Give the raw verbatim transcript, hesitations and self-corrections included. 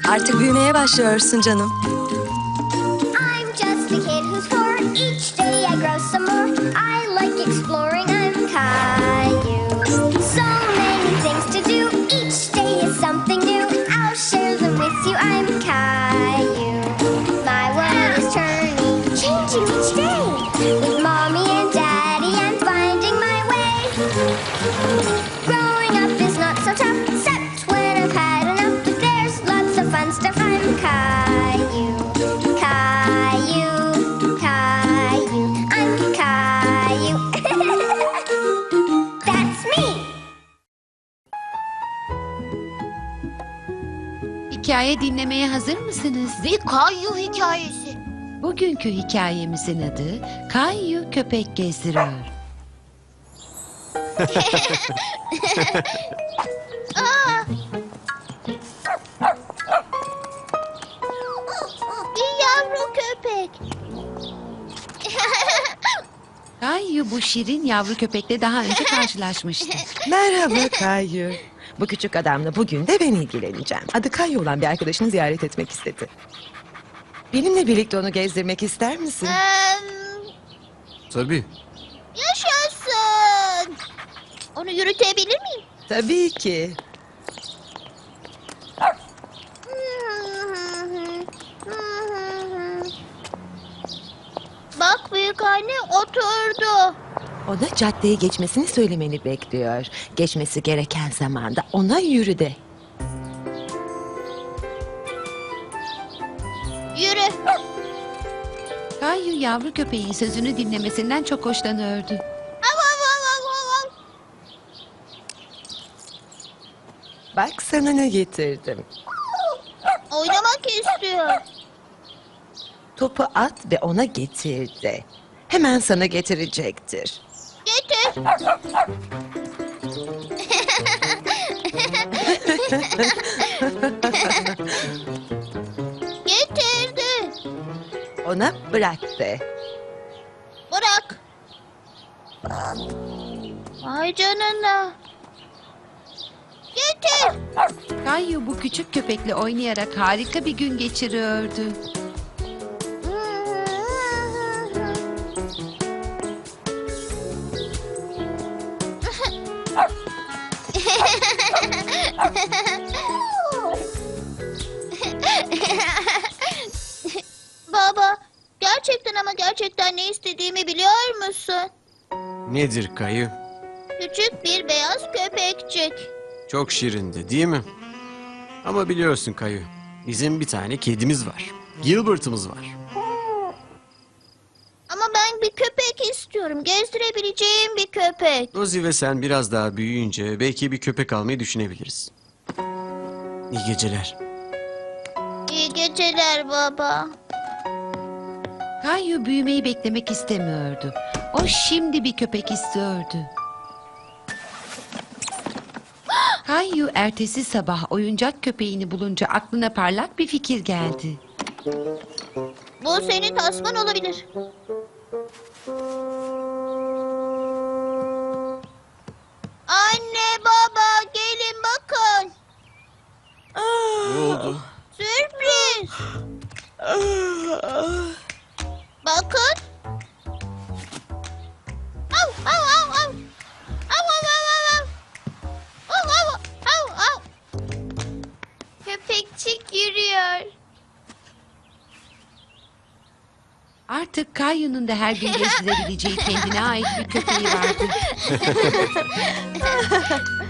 Artık büyümeye başlıyorsun canım. I'm just a kid who's four. Each day I grow some more. I like exploring. I'm Caillou. So many things to do. Each day is something new. I'll share them with you. I'm Caillou. My world is turning, changing each day. With mommy and daddy, I'm finding my way. Growing up is not so tough, except when I've had enough. But there's lots of fun stuff. I'm Caillou. Caillou, Caillou, I'm Caillou. That's me. Hikaye dinlemeye hazır mısınız? Bir Kayu hikayesi. Bugünkü hikayemizin adı Kayu Köpek Gezdiriyor. Bir yavru köpek. Kayu bu şirin yavru köpekle daha önce karşılaşmıştı. Merhaba Kayu. Bu küçük adamla bugün de ben ilgileneceğim. Adı Kayu olan bir arkadaşını ziyaret etmek istedi. Benimle birlikte onu gezdirmek ister misin? Em, Tabii. yaşasın. Onu yürütebilir miyim? Tabii ki. Bak büyük anne oturdu. Ona caddeye geçmesini söylemeni bekliyor. Geçmesi gereken zamanda ona yürü de. Yürü. Kayu yavru köpeğin sözünü dinlemesinden çok hoşlanıyordu. Av, av, av, av, av, av. Bak sana ne getirdim. Oynamak istiyor. Topu at ve ona getir de. Hemen sana getirecektir. Getir. Getirdi. Ona bırak de. Bırak. Vay canına. Getir. Kayu bu küçük köpekle oynayarak harika bir gün geçiriyordu. Baba, gerçekten ama gerçekten ne istediğimi biliyor musun? Nedir Kayı? Küçük bir beyaz köpekçik. Çok şirindi değil mi? Ama biliyorsun Kayı, bizim bir tane kedimiz var. Gilbert'ımız var. Ama ben bir köpek istiyorum. Gezdirebileceğim bir köpek. Rosie ve sen biraz daha büyüyünce belki bir köpek almayı düşünebiliriz. İyi geceler. İyi geceler baba. Kayu büyümeyi beklemek istemiyordu. O şimdi bir köpek istiyordu. Kayu ertesi sabah oyuncak köpeğini bulunca aklına parlak bir fikir geldi. Bu senin tasman olabilir. Anne baba gelin bakın. Ne oldu? Sürpriz. Bakın. Av, av, av, av. Av, av, av, av, av. Av, av, av, av. Köpekçik yürüyor. Artık Kayu'nun da her gün gezdirebileceği kendine ait bir köpeği vardı.